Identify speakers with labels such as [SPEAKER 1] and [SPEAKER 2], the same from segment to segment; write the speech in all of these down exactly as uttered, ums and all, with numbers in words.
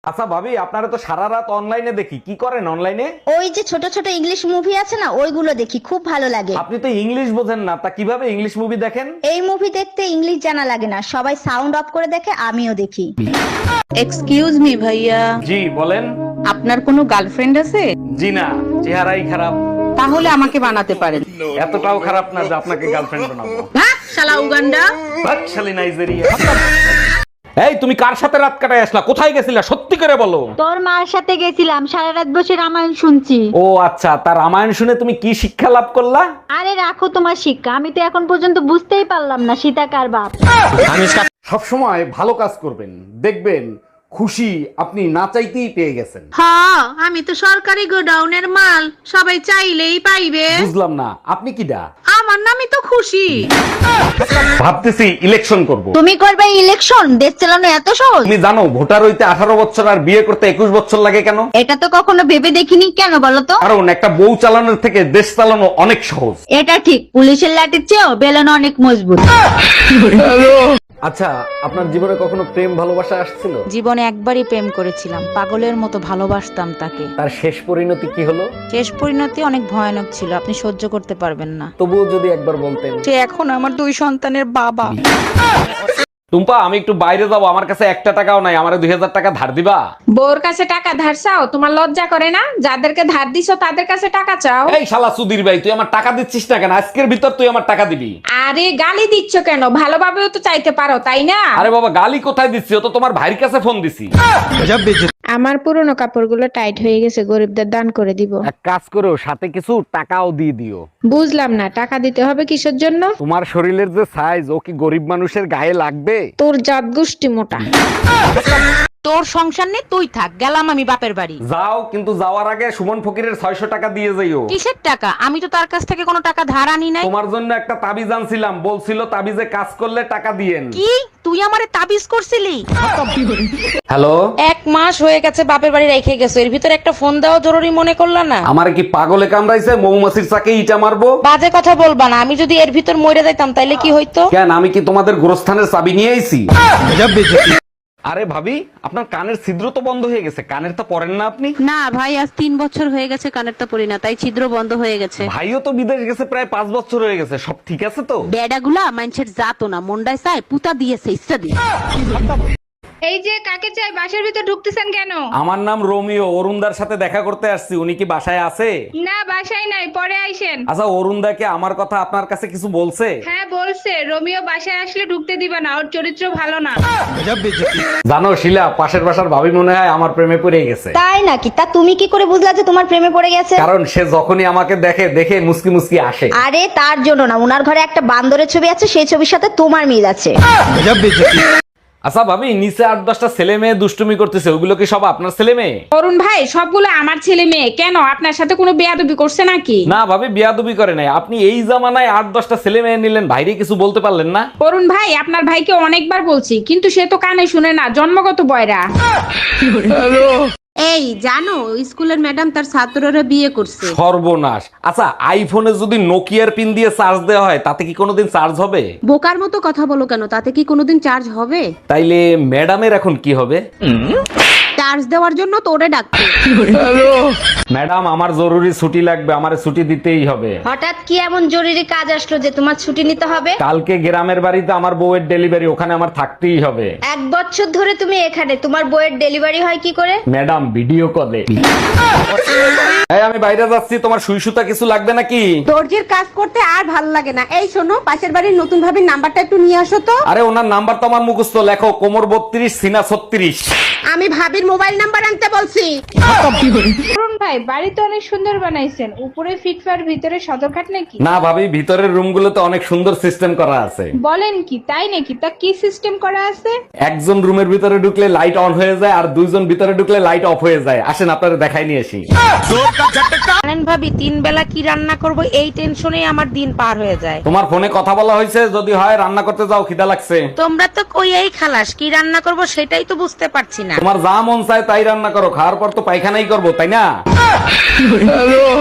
[SPEAKER 1] আচ্ছা ভাবি, আপনারা তো সারা রাত অনলাইনে দেখি, কি করেন অনলাইনে?
[SPEAKER 2] ওই যে ছোট ছোট ইংলিশ মুভি আছে না, ওইগুলো দেখি, খুব ভালো লাগে।
[SPEAKER 1] আপনি তো ইংলিশ বোঝেন না, তা কিভাবে ইংলিশ মুভি দেখেন?
[SPEAKER 2] এই মুভি দেখতে ইংলিশ জানা লাগে না, সবাই সাউন্ড অফ করে দেখে, আমিও দেখি।
[SPEAKER 3] এক্সকিউজ মি ভাইয়া,
[SPEAKER 1] জি বলেন।
[SPEAKER 3] আপনার কোনো গার্লফ্রেন্ড আছে?
[SPEAKER 1] জি না, চেহারাই খারাপ।
[SPEAKER 3] তাহলে আমাকে বানাতে পারেন।
[SPEAKER 1] এতটাও খারাপ না যে আপনাকে গার্লফ্রেন্ড বানাবো।
[SPEAKER 3] ভাগ শালা উগান্ডা।
[SPEAKER 1] ভাগ শালি নাইজেরিয়া। এই তুমি কার সাথে রাত কাটায় আসলা? কোথায় গেছিলা সত্যি করে বলো।
[SPEAKER 2] তোর মার সাথে গেছিলাম, সারা রাত বসে রামায়ণ শুনছি।
[SPEAKER 1] ও আচ্ছা, তার রামায়ণ শুনে তুমি কি শিক্ষা লাভ করলা?
[SPEAKER 2] আরে রাখো তোমার শিক্ষা, আমি তো এখন পর্যন্ত বুঝতেই পারলাম না সীতা কার বাপ।
[SPEAKER 1] সব সময় ভালো কাজ করবেন, দেখবেন খুশি আপনি না চাইতেই পেয়ে গেছেন।
[SPEAKER 3] হ্যাঁ, আমি তো সরকারি গোডাউনের মাল, সবাই চাইলেই পাইবে।
[SPEAKER 1] বুঝলাম না, আপনি কি দা?
[SPEAKER 3] আমার নামই তো খুশি।
[SPEAKER 1] ভাবতেছি ইলেকশন করব।
[SPEAKER 2] তুমি করবে ইলেকশন? দেশ চালানো এত সহজ?
[SPEAKER 1] তুমি জানো ভোটার হইতে আঠারো বছর আর বিয়ে করতে একুশ বছর লাগে কেন?
[SPEAKER 2] এটা তো কখনো ভেবে দেখিনি, কেন বলো তো?
[SPEAKER 1] কারণ একটা বউ চালানোর থেকে দেশ চালানো অনেক সহজ।
[SPEAKER 2] এটা ঠিক, পুলিশের লাঠির চেয়েও বেলন অনেক মজবুত।
[SPEAKER 1] আচ্ছা, আপনার জীবনে কখনো প্রেম ভালোবাসা আসছিল?
[SPEAKER 4] জীবনে একবারই প্রেম করেছিলাম, পাগলের মতো ভালোবাসতাম তাকে।
[SPEAKER 1] তার শেষ পরিণতি কি হলো?
[SPEAKER 4] শেষ পরিণতি অনেক ভয়ানক ছিল, আপনি সহ্য করতে পারবেন না।
[SPEAKER 1] তবুও যদি একবার বলতেন।
[SPEAKER 4] সে এখন আমার দুই সন্তানের বাবা।
[SPEAKER 1] টুম্পা, আমি একটু বাইরে যাবো, আমার কাছে একটা টাকাও নাই, আমারে দুই হাজার টাকা ধার দিবা?
[SPEAKER 5] বউর কাছে টাকা ধার চাও? তোমার লজ্জা করে না? যাদেরকে ধার দিছো তাদের কাছে টাকা চাও।
[SPEAKER 1] এই শালা সুধীর ভাই, তুই আমার টাকা দিচ্ছিস না কেন? আজকের ভিতর তুই আমার টাকা দিবি।
[SPEAKER 5] আরে গালি দিচ্ছ কেন? ভালোভাবেও তো চাইতে পারো, তাই না?
[SPEAKER 1] আরে বাবা, গালি কোথায় দিচ্ছি? ও তো তোমার ভাইয়ের কাছে ফোন দিছি।
[SPEAKER 6] আমার পুরনো কাপড়গুলো টাইট হয়ে গেছে, গরিবদের দান করে দিব।
[SPEAKER 1] এক কাজ করো, সাথে কিছু টাকাও দিয়ে দিও।
[SPEAKER 6] বুঝলাম না, টাকা দিতে হবে কিসের জন্য?
[SPEAKER 1] তোমার শরীরের যে সাইজ, ও কি গরিব মানুষের গায়ে লাগবে?
[SPEAKER 6] তোর জাত গোষ্ঠী মোটা।
[SPEAKER 4] তোর সংসার নেই, তুই থাক, গেলাম আমি বাপের বাড়ি।
[SPEAKER 1] যাও, কিন্তু যাওয়ার আগে সুমন ফকিরের ছয়শো টাকা দিয়ে যাইও।
[SPEAKER 4] কিসের টাকা? আমি তো তার কাছ থেকে কোনো টাকা ধার আনি নাই।
[SPEAKER 1] তোমার জন্য একটা তাবিজ আনছিলাম, বলছিল তাবিজে কাজ করলে টাকা দিয়েন।
[SPEAKER 4] কি তুই আমারে তাবিজ করছিলি?
[SPEAKER 1] হ্যালো,
[SPEAKER 4] এক মাস হয়ে গেছে বাপের বাড়ি রেখে গেছো, এর ভিতর একটা ফোন দেওয়া জরুরি মনে করলা না?
[SPEAKER 1] আমার কি পাগলে কামড়াইছে? মৌমাছির চাকে ইটা মারবো?
[SPEAKER 4] বাজে কথা বলবা না, আমি যদি এর ভিতর মরে যাইতাম তাইলে কি হইতো?
[SPEAKER 1] কেন, আমি কি তোমাদের গোরস্থানের চাবি নিয়ে আইছি? আরে ভাবি, আপনার কানের ছিদ্র তো বন্ধ হয়ে গেছে, কানের তো পরেন না আপনি?
[SPEAKER 7] না ভাই, আজ তিন বছর হয়ে গেছে কানেরটা পরি না, তাই ছিদ্র বন্ধ হয়ে গেছে।
[SPEAKER 1] ভাইও তো বিদেশ গেছে প্রায় পাঁচ বছর হয়ে গেছে, সব ঠিক আছে তো?
[SPEAKER 7] বেডাগুলা মানুষের জাতো না, মন্ডায় চায় পুতা দিয়েছে ইচ্ছা দিয়ে।
[SPEAKER 5] এই যে কাকে চাই, বাসার ভিতর ঢুকতেছেন কেন?
[SPEAKER 1] আমার নাম রোমিও, অরুণদার সাথে দেখা করতে আসছি, উনি কি বাসায় আছে?
[SPEAKER 5] না, বাসায় নাই, পরে আইসেন।
[SPEAKER 1] আচ্ছা, অরুণদাকে আমার কথা আপনার কাছে কিছু বলছে?
[SPEAKER 5] হ্যাঁ বলছে, রোমিও বাসায় আসলে ঢুকতে দিবা না, ওর চরিত্র ভালো না।
[SPEAKER 1] জানো শিলা, পাশের বাসার ভাবি মনে হয় আমার প্রেমে পড়ে গেছে।
[SPEAKER 2] তাই নাকি? তা তুমি কি করে বুঝলা যে তোমার প্রেমে পড়ে গেছে?
[SPEAKER 1] কারণ সে যখনই আমাকে দেখে দেখে মুসকি মুসকি আসে।
[SPEAKER 2] আরে তার জন্য না, উনার ঘরে একটা বান্দরের ছবি আছে, সেই ছবির সাথে তোমার মিল আছে।
[SPEAKER 1] আচ্ছা ভাবি, নিচে আট দশটা ছেলে মেয়ে দুষ্টুমি করতেছে, ওগুলো কি সব আপনার ছেলে মেয়ে?
[SPEAKER 5] অরুণ ভাই, সবগুলো আমার ছেলে মেয়ে। কেন, আপনার সাথে কোনো বেয়াদবি করছে নাকি?
[SPEAKER 1] না ভাবি, বিয়াদবি করে নাই। আপনি এই জামানায় আট দশটা ছেলে মেয়ে নিলেন, ভাইরে কিছু বলতে পারলেন না?
[SPEAKER 5] অরুণ ভাই, আপনার ভাইকে অনেকবার বলছি, কিন্তু সে তো কানে শুনে না, জন্মগত বয়রা।
[SPEAKER 7] এই জানো, স্কুলের ম্যাডাম তার ছাত্ররা বিয়ে করছে।
[SPEAKER 1] সর্বনাশ। আচ্ছা, আইফোনে যদি নোকিয়ার পিন দিয়ে চার্জ দেওয়া হয়, তাতে কি কোনোদিন চার্জ হবে?
[SPEAKER 7] বোকার মতো কথা বলো কেন, তাতে কি কোনোদিন চার্জ হবে?
[SPEAKER 1] তাইলে ম্যাডামের এখন কি হবে?
[SPEAKER 7] চার্জ দেওয়ার জন্য তোরে ডাকছে।
[SPEAKER 1] ম্যাডাম, আমার জরুরি ছুটি লাগবে, আমার ছুটি দিতেই হবে।
[SPEAKER 2] হঠাৎ কি এমন জরুরি কাজ আসলো যে তোমার ছুটি নিতে হবে?
[SPEAKER 1] কালকে গ্রামের বাড়িতে আমার বউয়ের ডেলিভারি, ওখানে আমার থাকতেই হবে।
[SPEAKER 2] এক বছর ধরে তুমি এখানে, তোমার বইয়ের ডেলিভারি হয় কি করে?
[SPEAKER 1] ম্যাডাম, ভিডিও কলে। এই, আমি বাইরে যাচ্ছি, তোমার সুই সুতা কিছু লাগবে নাকি?
[SPEAKER 3] দর্জির কাজ করতে আর ভাল লাগে না। এই শোনো, পাশের বাড়ির নতুন ভাবির নাম্বারটা একটু নিয়ে আসো তো।
[SPEAKER 1] আরে ওনার নাম্বার তো আমার মুখস্থ, লেখো কোমর বত্রিশ, সিনা ছত্রিশ।
[SPEAKER 3] আমি ভাবির মোবাইল নাম্বার আনতে বলছি।
[SPEAKER 5] অরুণ ভাই, বাড়ি তো অনেক সুন্দর বানাইছেন, উপরে ফিটফার, ভিতরে সদরঘাট নাকি?
[SPEAKER 1] না ভাবি, ভিতরের রুমগুলোতে অনেক সুন্দর সিস্টেম করা আছে।
[SPEAKER 5] বলেন কি, তাই নাকি? তা কি সিস্টেম করা আছে?
[SPEAKER 1] একজন রুমের ভিতরে ঢুকলে লাইট অন হয়ে যায়, আর দুইজন ভিতরে ঢুকলে লাইট অফ হয়ে যায়। আসেন আপনারা দেখাই নিয়ে আসি।
[SPEAKER 4] জানেন ভাবি, তিন বেলা কি রান্না করব এই টেনশনে আমার দিন পার হয়ে যায়।
[SPEAKER 1] তোমার ফোনে কথা বলা হয়েছে, যদি হয় রান্না করতে যাও, খিদা লাগছে।
[SPEAKER 4] তোমরা তো কই এই খালাস, কি রান্না করব সেটাই তো বুঝতে পারছি না।
[SPEAKER 1] তোমার যা মন চায় তাই রান্না করো, খাওয়ার পর তো পায়খানাই করবো, তাই না?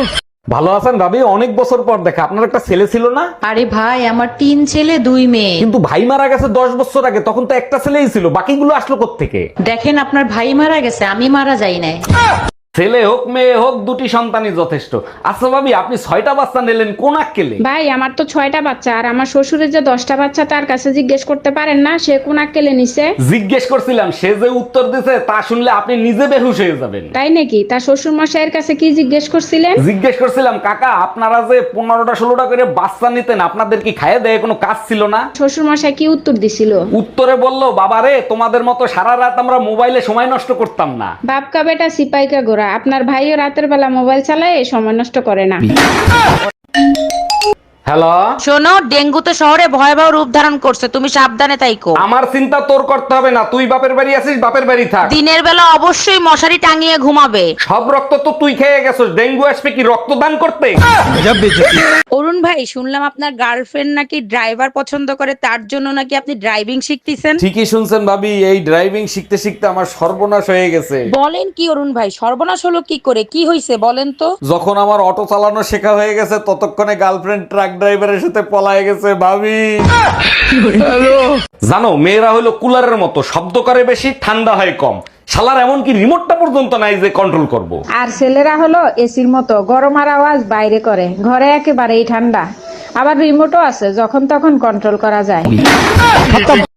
[SPEAKER 1] ভালো আছেন ভাবি? অনেক বছর পর দেখা। আপনার একটা ছেলে ছিল না?
[SPEAKER 8] আরে ভাই, আমার তিন ছেলে দুই মেয়ে।
[SPEAKER 1] কিন্তু ভাই মারা গেছে দশ বছর আগে, তখন তো একটা ছেলেই ছিল, বাকিগুলো আসলো কোত্থেকে?
[SPEAKER 8] দেখেন, আপনার ভাই মারা গেছে, আমি মারা যাই নাই।
[SPEAKER 1] ছেলে হোক মেয়ে হোক, দুটি সন্তানই যথেষ্ট। আচ্ছা ভাবি, আপনি ছয়টা বাচ্চা নিলেন কোন আক্কেলে?
[SPEAKER 6] ভাই, আমার তো ছয়টা বাচ্চা, আর আমার শ্বশুরের যে দশটা বাচ্চা, তার কাছে জিজ্ঞেস করতে পারেন না সে কোন আক্কেলে নিছে?
[SPEAKER 1] জিজ্ঞেস করছিলাম, সে যে উত্তর দিছে তা শুনলে আপনি নিজে বেহুশ হয়ে যাবেন।
[SPEAKER 6] তাই নাকি? তার শ্বশুর মশাইয়ের কাছে কি জিজ্ঞেস করছিলেন?
[SPEAKER 1] জিজ্ঞেস করছিলাম, কাকা আপনারা যে পনেরোটা ষোলোটা করে বাচ্চা নিতেন, আপনাদের কি খাইয়ে দেয় কোনো কাজ ছিল না?
[SPEAKER 6] শ্বশুর মশাই কি উত্তর দিছিল?
[SPEAKER 1] উত্তরে বললো, বাবারে তোমাদের মতো সারা রাত আমরা মোবাইলে সময় নষ্ট করতাম না।
[SPEAKER 6] বাপকা বেটা সিপাইকা গোরা, আপনার ভাইও রাতের বেলা মোবাইল চালায়, সময় নষ্ট করে না।
[SPEAKER 1] হ্যালো,
[SPEAKER 4] শোনো, ডেঙ্গু তো শহরে ভয়াবহ রূপ ধারণ করছে, তুমি সাবধানে তাইকো।
[SPEAKER 1] আমার চিন্তা তোর করতে হবে না, তুই বাপের বাড়ি আছিস, বাপের বাড়ি থাক।
[SPEAKER 4] দিনের বেলা অবশ্যই মশারি টাঙিয়ে ঘুমাবে।
[SPEAKER 1] সব রক্ত তো তুই খেয়ে গেছিস, ডেঙ্গু আসবে কি রক্তদান করতে?
[SPEAKER 4] অরুণ ভাই, শুনলাম আপনার গার্লফ্রেন্ড নাকি ড্রাইভার পছন্দ করে, তার জন্য নাকি আপনি ড্রাইভিং শিখতেছেন।
[SPEAKER 1] ঠিকই শুনছেন ভাবি, এই ড্রাইভিং শিখতে শিখতে আমার সর্বনাশ হয়ে গেছে।
[SPEAKER 4] বলেন কি অরুণ ভাই, সর্বনাশ হলো কি করে? কি হয়েছে বলেন তো।
[SPEAKER 1] যখন আমার অটো চালানো শেখা হয়ে গেছে, ততক্ষণে গার্লফ্রেন্ড ট্রাক ড্রাইভারের সাথে পলায় গেছে ভাবি। জানো, মেয়েরা হলো কুলারের মতো, শব্দ করে বেশি, ঠান্ডা হয় কম। শালার এমন কি রিমোটটা পর্যন্ত নাই যে কন্ট্রোল করব।
[SPEAKER 6] আর ছেলেরা হলো এসির মতো, গরম আর আওয়াজ বাইরে করে, ঘরে একেবারেই ঠান্ডা। আবার রিমোটও আছে, যখন তখন কন্ট্রোল করা যায়।